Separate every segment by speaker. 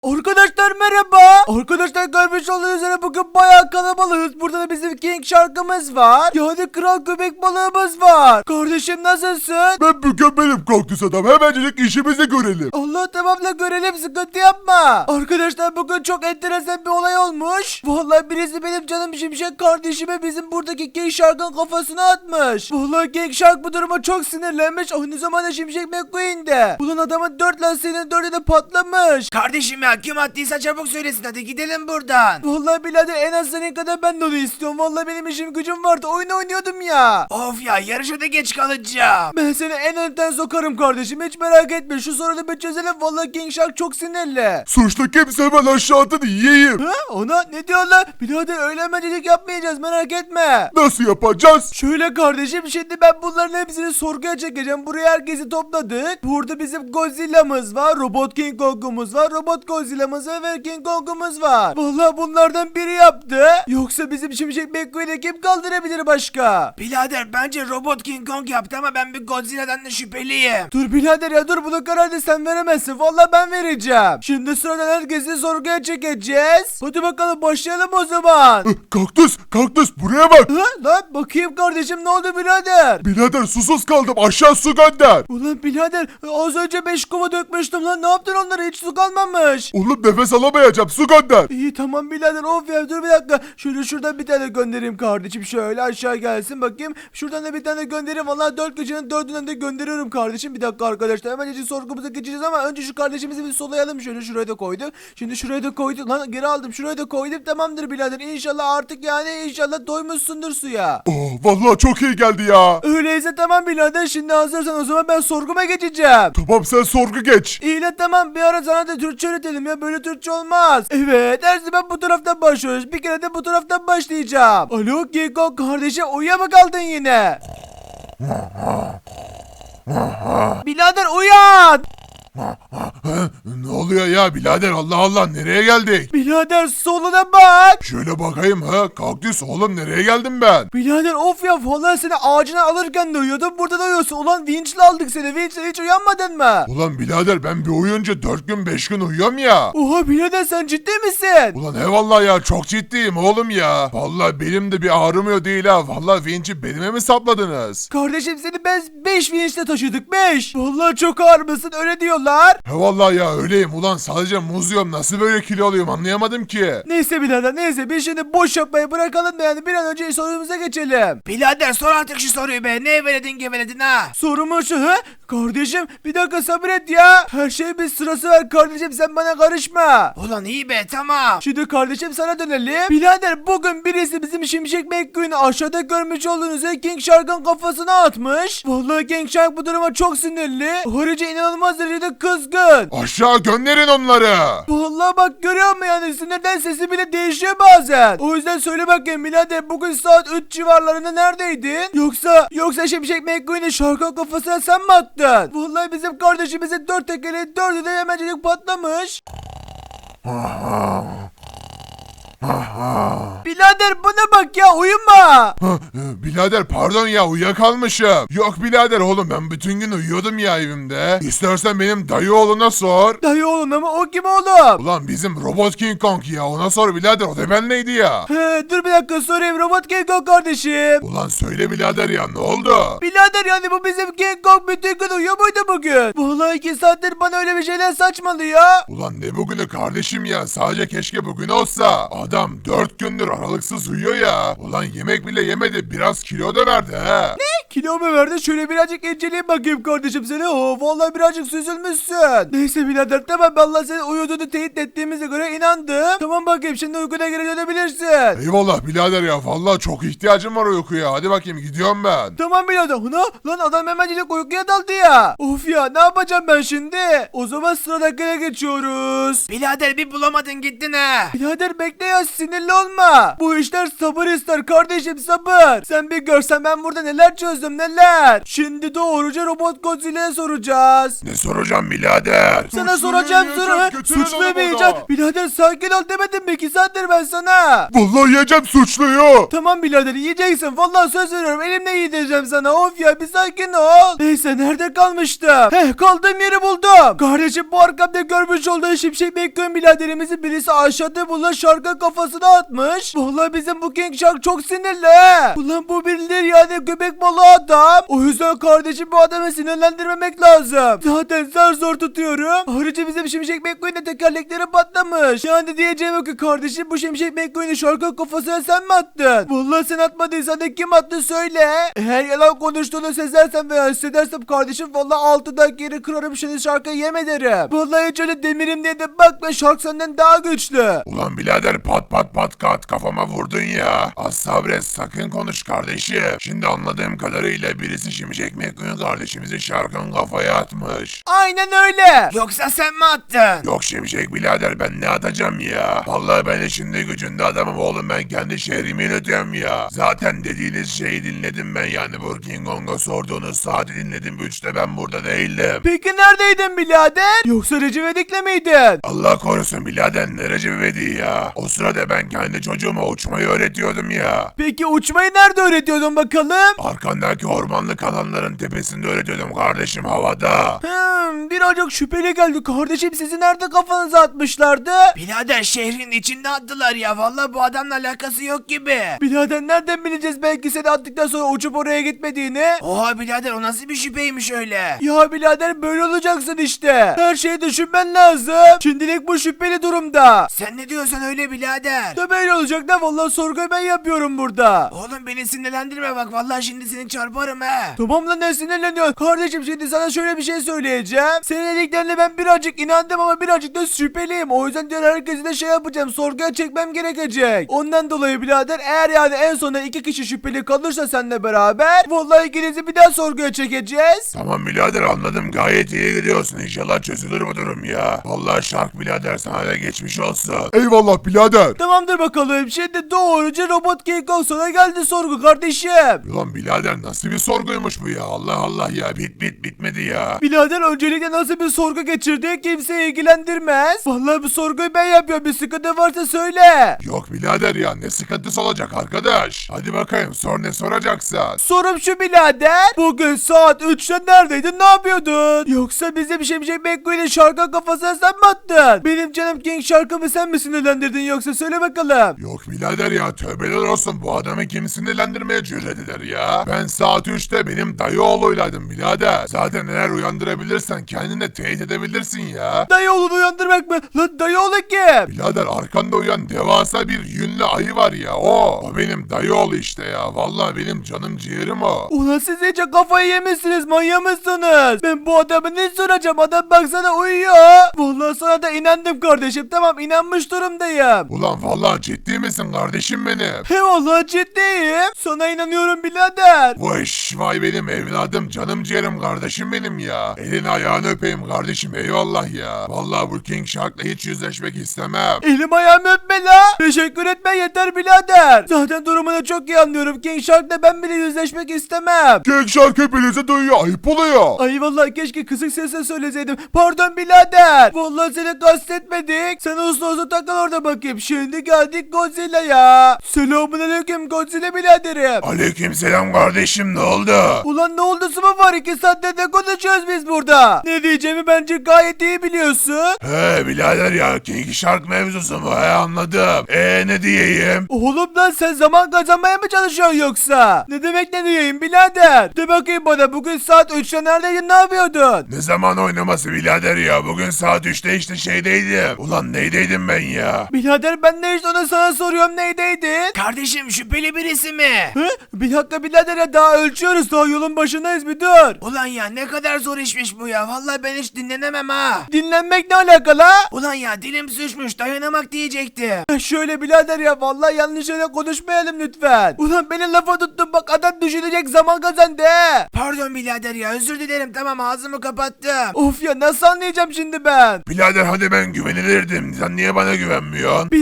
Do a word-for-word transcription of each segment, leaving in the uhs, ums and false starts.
Speaker 1: Arkadaşlar merhaba. Arkadaşlar görmüş olduğunuz üzere bugün bayağı kalabalığız. Burada da bizim King şarkımız var. Yani kral köpek balığımız var. Kardeşim nasılsın?
Speaker 2: Ben mükemmelim kaktüs adam. Hemencecik işimizi görelim.
Speaker 1: Allah tamam da görelim, sıkıntı yapma. Arkadaşlar bugün çok enteresan bir olay olmuş. Vallahi birisi benim canım şimşek kardeşime bizim buradaki King Shark'ın kafasına atmış. Vallahi King Shark bu duruma çok sinirlenmiş. Aynı zamanda Şimşek McQueen de. Ulan adamın dört lastiğinin dördü de patlamış.
Speaker 3: Kardeşim ya kim attıysa çabuk söylesin, hadi gidelim buradan.
Speaker 1: Vallahi birader en az senin kadar ben de onu istiyorum. Vallahi benim işim gücüm vardı. Oyun oynuyordum ya.
Speaker 3: Of ya, yarışa da geç kalacağım.
Speaker 1: Ben seni en önden sokarım kardeşim. Hiç merak etme. Şu sorunu bir çözelim. Vallahi King Shark çok sinirli.
Speaker 2: Suçlu kimse hemen aşağı atın yiyeyim.
Speaker 1: Ha? Ona ne diyorlar? Birader öyle hemencilik yapmayacağız. Merak etme.
Speaker 2: Nasıl yapacağız?
Speaker 1: Şöyle kardeşim, şimdi ben bunların hepsini sorguya çekeceğim. Buraya herkesi topladık. Burada bizim Godzilla'mız var. Robot King Kong'umuz var. Robot Godzilla'mız var ve King Kong'umuz var. Vallahi bunlardan biri yaptı. Yoksa bizim Şimşek McQueen'i kim kaldırabilir başka?
Speaker 3: Birader bence Robot King Kong yaptı ama ben bir Godzilla'dan da şüpheliyim.
Speaker 1: Dur birader ya dur, bunu kararı sen veremezsin. Vallahi ben vereceğim. Şimdi sıradan herkesi sorguya çekeceğiz. Hadi bakalım başlayalım o zaman.
Speaker 2: Hı, Kaktüs, kaktüs buraya bak.
Speaker 1: Ha, lan bakayım kardeşim, ne oldu birader?
Speaker 2: Birader susuz kaldım, aşağı su gönder.
Speaker 1: Ulan birader az önce beş kova dökmüştüm lan, ne yaptın onlara, hiç su kalmamış.
Speaker 2: Oğlum nefes alamayacağım, su gönder.
Speaker 1: İyi tamam birader, of ya dur bir dakika. Şöyle şuradan bir tane göndereyim kardeşim, şöyle aşağı gelsin bakayım. Şuradan da bir tane göndereyim, vallahi dört gecenin dördünden de gönderiyorum kardeşim. Bir dakika arkadaşlar, hemen önce sorgumuza geçeceğiz ama önce şu kardeşimizi bir solayalım. Şöyle şuraya da koydum. Şimdi şuraya da koydum lan, geri aldım, şuraya da koydum, tamamdır birader. İnşallah artık yani inşallah doymuşsundur suya.
Speaker 2: Oh vallahi çok iyi geldi ya.
Speaker 1: Öyleyse tamam birader, şimdi hazırsan o zaman ben sorguma geçeceğim.
Speaker 2: Tamam sen sorgu geç.
Speaker 1: İyi lan tamam, bir ara sana da Türkçe öğretelim ya, böyle Türkçe olmaz. Evet, her zaman bu taraftan başlıyoruz, bir kere de bu taraftan başlayacağım. Alo Kiko kardeşim, uyuya mı kaldın yine? Birader uyan.
Speaker 2: Ne oluyor ya birader, Allah Allah, nereye geldik?
Speaker 1: Birader soluna bak.
Speaker 2: Şöyle bakayım ha, kaktüs oğlum nereye geldim ben?
Speaker 1: Birader of ya, vallahi seni ağacına alırken de uyuyordum, burada da uyuyorsun. Ulan vinçle aldık seni, vinçle, hiç uyanmadın mı?
Speaker 2: Ulan birader ben bir uyuyunca dört gün beş gün uyuyorum ya.
Speaker 1: Oha birader sen ciddi misin?
Speaker 2: Ulan eyvallah ya, çok ciddiyim oğlum ya. Vallahi benim de bir ağrımıyor değil ha. Vallahi vinci belime mi sapladınız?
Speaker 1: Kardeşim seni biz beş vinçle taşıdık, beş. Vallahi çok ağır mısın, öyle diyorlar.
Speaker 2: He vallahi ya öyleyim ulan, sadece muz yiyorum, nasıl böyle kilo alıyorum anlayamadım ki.
Speaker 1: Neyse birader neyse, biz şimdi boş yapmayı bırakalım da yani bir an önce sorumuza geçelim.
Speaker 3: Birader sor artık şu soruyu be, ne eveledin geveledin ha?
Speaker 1: Sorumu şu ha? Kardeşim bir dakika sabret ya. Her şey bir sırası var kardeşim, sen bana karışma.
Speaker 3: Ulan iyi be, tamam.
Speaker 1: Şimdi kardeşim sana dönelim. Birader bugün birisi bizim Şimşek McQueen'i aşağıda görmüş olduğunuz üzere King Shark'ın kafasına atmış. Vallahi King Shark bu duruma çok sinirli. Ayrıca inanılmaz derecede kızgın.
Speaker 2: Aşağı gönderin onları.
Speaker 1: Vallahi bak görüyor musun yani, sinirden sesi bile değişiyor bazen. O yüzden söyle bakayım birader, bugün saat üç civarlarında neredeydin? Yoksa yoksa Şimşek McQueen'i Shark'ın kafasına sen mi attın? Vallahi bizim kardeşimizin dört tekeli dördü de hemencilik patlamış. Birader buna bak ya, uyuma.
Speaker 2: Hah, e, birader pardon ya, uyuyakalmışım. Yok birader oğlum, ben bütün gün uyuyordum ya evimde. İstersen benim dayı oğluna sor.
Speaker 1: Dayı oğlum ama o kim oğlum?
Speaker 2: Ulan bizim Robot King Kong ya, ona sor birader, o da benleydi ya.
Speaker 1: He, dur bir dakika sorayım, Robot King Kong kardeşim.
Speaker 2: Ulan söyle birader ya, ne oldu?
Speaker 1: Birader yani bu bizim King Kong bütün gün uyuyor muydu bugün? Vallahi iki saattir bana öyle bir şeyler saçmalıyor.
Speaker 2: Ulan ne bugünü kardeşim ya, sadece keşke bugün olsa. Adam dört gündür aralıksız uyuyor ya. Ulan yemek bile yemedi, biraz kilo da verdi ha.
Speaker 1: Ne? Kilo mu verdi? Şöyle birazcık inceleyeyim bakayım kardeşim seni. Oo, vallahi birazcık süzülmüşsün. Neyse birader tamam, vallahi senin uyuduğunu teyit ettiğimize göre inandım. Tamam bakayım, şimdi uykuna geri dönebilirsin.
Speaker 2: Eyvallah birader ya, vallahi çok ihtiyacım var uykuya. Hadi bakayım gidiyorum ben.
Speaker 1: Tamam birader. Ana lan adam hemencilik uykuya daldı ya. Of ya, ne yapacağım ben şimdi? O zaman sıradakine geçiyoruz.
Speaker 3: Birader bir bulamadın gittin ha.
Speaker 1: Birader bekle ya, kadar sinirli olma. Bu işler sabır ister kardeşim, sabır. Sen bir görsen ben burada neler çözdüm neler. Şimdi doğruca Robot Godzilla'ya soracağız.
Speaker 2: Ne soracağım birader?
Speaker 1: Sana soracağım soru. Suçlamayacağım. Birader sakin ol demedim mi? İki saattir ben sana.
Speaker 2: Vallahi yiyeceğim suçluyu.
Speaker 1: Tamam birader yiyeceksin. Vallahi söz veriyorum. Elimle yedireceğim sana. Of ya bir sakin ol. Neyse nerede kalmıştım? Heh kaldığım yeri buldum. Kardeşim bu arkamda görmüş olduğun Şimşek McQueen biraderimizin birisi aşağıda bulunan şarka kafasına atmış. Vallahi bizim bu King Shark çok sinirli. Ulan bu birileri yani köpek balığı adam. O yüzden kardeşim bu adamı sinirlendirmemek lazım. Zaten zar zor tutuyorum. Ayrıca bizim Şimşek McQueen'in tekerlekleri patlamış. Yani diyeceğim o ki kardeşim bu Şimşek McQueen'i şarkı kafasına sen mi attın? Vallahi sen atmadıysan da kim attı söyle. Eğer yalan konuştuğunu sezersem veya hissedersem kardeşim vallahi altıdan geri kırarım şimdi şarkıyı yem ederim. Vallahi hiç öyle demirim diye de bakma şark senden daha güçlü.
Speaker 2: Ulan birader pat pat pat kat kafama vurdun ya. Az sabret sakın konuş kardeşim. Şimdi anladığım kadarıyla birisi Şimşek McQueen kardeşimizi şarkın kafaya atmış.
Speaker 1: Aynen öyle.
Speaker 3: Yoksa sen mi attın?
Speaker 2: Yok Şimşek birader ben ne atacağım ya? Vallahi ben içinde gücünde adamım oğlum ben kendi şehrimi yönetiyorum ya. Zaten dediğiniz şeyi dinledim ben yani bu King Kong'a sorduğunuz saati dinledim. Üçte ben burada değildim.
Speaker 1: Peki neredeydin birader? Yoksa Recep İvedik'le miydin?
Speaker 2: Allah korusun birader ne Recep İvedik ya. O sırada ben kendi çocuğuma uçmayı öğretiyordum ya.
Speaker 1: Peki uçmayı nerede öğretiyordun bakalım?
Speaker 2: Arkandaki ormanlık alanların tepesinde öğretiyordum kardeşim havada.
Speaker 1: Hmm, birazcık şüpheli geldi kardeşim sizi nerede kafanıza atmışlardı?
Speaker 3: Birader şehrin içinde attılar ya. Vallahi bu adamla alakası yok gibi.
Speaker 1: Birader nereden bileceğiz belki seni attıktan sonra uçup oraya gitmediğini?
Speaker 3: Oha birader o nasıl bir şüpheymiş öyle?
Speaker 1: Ya birader böyle olacaksın işte. Her şeyi düşünmen lazım. Şimdilik bu şüpheli durumda.
Speaker 3: Sen ne diyorsun öyle birader?
Speaker 1: Da böyle olacak da vallahi sorguyu ben yapıyorum burada.
Speaker 3: Oğlum beni sinirlendirme bak. Vallahi şimdi seni çarparım he.
Speaker 1: Tamam lan ne sinirleniyorsun? Kardeşim şimdi sana şöyle bir şey söyleyeceğim. Senin dediklerine ben birazcık inandım ama birazcık da şüpheliyim. O yüzden diğer herkesi de şey yapacağım. Sorguya çekmem gerekecek. Ondan dolayı birader eğer yani en sonunda iki kişi şüpheli kalırsa seninle beraber vallahi ikinizi bir daha sorguya çekeceğiz.
Speaker 2: Tamam birader anladım gayet iyi gidiyorsun inşallah çözülür bu durum ya. Vallahi şark birader sana da geçmiş olsun. Eyvallah birader.
Speaker 1: Tamamdır bakalım. Şimdi doğruca Robot King Kong sana geldi sorgu kardeşim.
Speaker 2: Ulan birader nasıl bir sorguymuş bu ya Allah Allah ya bit bit bitmedi ya.
Speaker 1: Birader öncelikle nasıl bir sorgu geçirdi kimseyi ilgilendirmez. Vallahi bu sorguyu ben yapıyorum. Bir sıkıntı varsa söyle.
Speaker 2: Yok birader ya ne sıkıntısı olacak arkadaş. Hadi bakayım sor ne soracaksan.
Speaker 1: Sorum şu birader. Bugün saat üçte neredeydin ne yapıyordun? Yoksa bizim Şimşek McQueen'in şarkı kafasına sen mi attın? Benim canım King şarkımı sen mi sinirlendirdin yoksa söyle bakalım.
Speaker 2: Yok birader ya tövbeler olsun bu adamı kim sinirlendirmeye cüret eder ya. Ben saat üçte benim dayı oğluylaydım birader. Zaten eğer uyandırabilirsen kendini teyit edebilirsin ya.
Speaker 1: Dayı oğlunu uyandırmak mı? Lan dayı oğlu kim?
Speaker 2: Birader arkanda uyan devasa bir yünlü ayı var ya o. O benim dayı oğlu işte ya. Vallahi benim canım ciğerim o.
Speaker 1: Ulan siz iyice kafayı yemişsiniz manyak mısınız? Ben bu adamı ne soracağım adam baksana uyuyor. Vallahi sana da inandım kardeşim tamam inanmış durumdayım.
Speaker 2: Ulan vallahi ciddi misin kardeşim benim?
Speaker 1: He vallahi ciddiyim. Sana inanıyorum birader.
Speaker 2: Vay vay benim evladım canım ciğerim kardeşim benim ya. Elini ayağını öpeyim kardeşim eyvallah ya. Vallahi bu King Shark'la hiç yüzleşmek istemem.
Speaker 1: Elim ayağımı öpme la. Teşekkür etme yeter birader. Zaten durumunu çok iyi anlıyorum. King Shark'la ben bile yüzleşmek istemem.
Speaker 2: King Shark hepinize duyuyor ayıp oluyor.
Speaker 1: Ay vallahi keşke kısık sesle söyleseydim. Pardon birader. Vallahi seni kastetmedik. Sen uslu uslu takıl orada bakayım. Şimdi geldik Godzilla'ya. Selamünaleyküm Godzilla biraderim.
Speaker 2: Aleykümselam kardeşim ne oldu?
Speaker 1: Ulan ne oldu mu var? İki saattir de konuşuyoruz biz burada. Ne diyeceğimi bence gayet iyi biliyorsun.
Speaker 2: He birader ya King Shark mevzusu mu he anladım. Eee ne diyeyim?
Speaker 1: Oğlum lan sen zaman kazanmaya mı çalışıyorsun yoksa? Ne demek ne diyeyim birader? De bakayım bana bugün saat üçte neredeydin ne yapıyordun?
Speaker 2: Ne zaman oynaması birader ya bugün saat üçte işte şeydeydim. Ulan neydeydim ben ya?
Speaker 1: Birader ben de işte onu sana soruyorum neydeydin?
Speaker 3: Kardeşim şüpheli birisi mi?
Speaker 1: Hı? Bir dakika birader ya daha ölçüyoruz daha yolun başındayız bir dur.
Speaker 3: Ulan ya ne kadar zor işmiş bu ya. Vallahi ben hiç dinlenemem ha.
Speaker 1: Dinlenmek ne alakalı?
Speaker 3: Ulan ya dilim sürçmüş dayanamak diyecektim.
Speaker 1: Ya şöyle birader ya vallahi yanlış yere konuşmayalım lütfen. Ulan beni lafa tuttun bak adam düşünecek zaman kazandı he.
Speaker 3: Pardon birader ya özür dilerim tamam ağzımı kapattım.
Speaker 1: Of ya nasıl anlayacağım şimdi ben?
Speaker 2: Birader hadi ben güvenilirdim. Sen niye bana güvenmiyorsun?
Speaker 1: Birader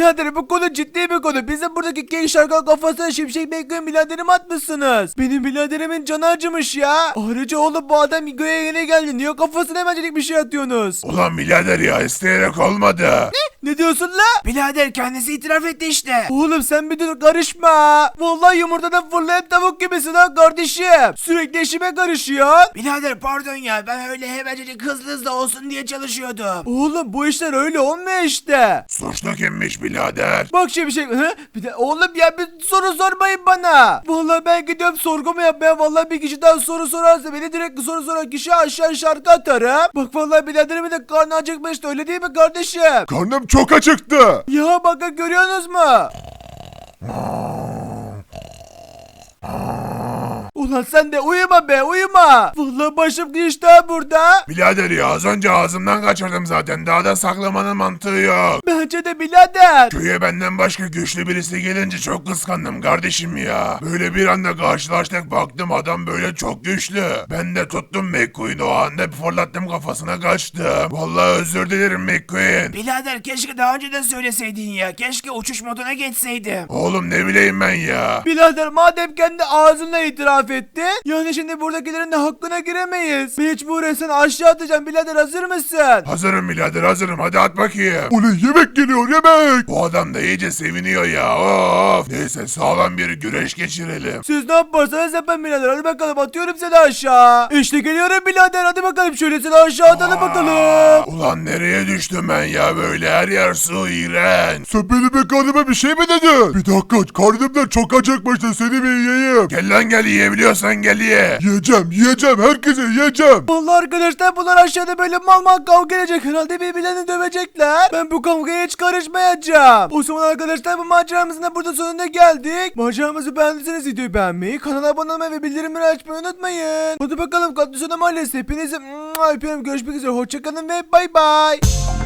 Speaker 1: Birader bu konu ciddi bir konu. Bizim buradaki genç şarkı kafasına Şimşek McQueen biraderim atmışsınız. Benim biraderimin canı acımış ya. Ayrıca oğlum bu adam göğe yeni geldi. Niye kafasına hemencik bir şey atıyorsunuz?
Speaker 2: Ulan birader ya isteyerek olmadı.
Speaker 1: Ne diyorsun la?
Speaker 3: Birader kendisi itiraf etti işte.
Speaker 1: Oğlum sen bir dur karışma. Vallahi yumurtadan fırlayan tavuk gibisin ha kardeşim. Sürekli işime karışıyor.
Speaker 3: Birader pardon ya ben öyle hemencecik hızlı hızlı olsun diye çalışıyordum.
Speaker 1: Oğlum bu işler öyle olmuyor işte.
Speaker 2: Suçlu kimmiş birader?
Speaker 1: Bak şimdi şey hı? Bir de oğlum ya bir soru sormayın bana. Vallahi ben gidiyorum sorgumu yapmaya. Vallahi bir kişi daha soru sorarsa beni direkt soru soran kişi aşağı şarkı atarım. Bak vallahi biraderimin de karnı acıkmıştı öyle değil mi kardeşim?
Speaker 2: Karnım çok acıktı.
Speaker 1: Ya bakın görüyorsunuz mu? Ulan sen de uyuma be uyuma. Vallahi başım geçti ha burada.
Speaker 2: Birader ya az önce ağzımdan kaçırdım zaten. Daha da saklamanın mantığı yok.
Speaker 1: Bence de birader.
Speaker 2: Köye benden başka güçlü birisi gelince çok kıskandım kardeşim ya. Böyle bir anda karşılaştık baktım adam böyle çok güçlü. Ben de tuttum McQueen'i o anda fırlattım kafasına kaçtı. Vallahi özür dilerim McQueen.
Speaker 3: Birader keşke daha önce de söyleseydin ya. Keşke uçuş moduna geçseydim.
Speaker 2: Oğlum ne bileyim ben ya.
Speaker 1: Birader madem kendi ağzınla itiraf etti. Yani şimdi buradakilerin de hakkına giremeyiz. Mecburen seni aşağı atacağım birader hazır mısın?
Speaker 2: Hazırım birader hazırım hadi at bakayım. Ulan yemek geliyor yemek. Bu adam da iyice seviniyor ya of. Neyse sağlam bir güreş geçirelim.
Speaker 1: Siz ne yaparsanız yapın birader hadi bakalım atıyorum seni aşağı. İşte geliyorum birader hadi bakalım şöyle seni aşağı atalım bakalım.
Speaker 2: Ulan nereye düştüm ben ya böyle her yer su iğrenç. Sen benim karnıma bir şey mi dedin? Bir dakika karnımdan çok acıkmıştı seni bir yiyeyim. Gel lan gel yiyebiliyorsan gel ye. Yiyeceğim yiyeceğim herkese yiyeceğim.
Speaker 1: Vallahi arkadaşlar bunlar aşağıda böyle mal mal kavga edecek herhalde birbirlerini dövecekler. Ben bu kavgaya hiç karışmayacağım. O zaman arkadaşlar bu maceramızın da burada sonuna geldik. Maceramızı beğendiyseniz videoyu beğenmeyi, kanala abone olmayı ve bildirimleri açmayı unutmayın. Hadi bakalım Katlısona Mahallesi hepinizi öpüyorum. Görüşmek üzere hoşçakalın ve bay bay.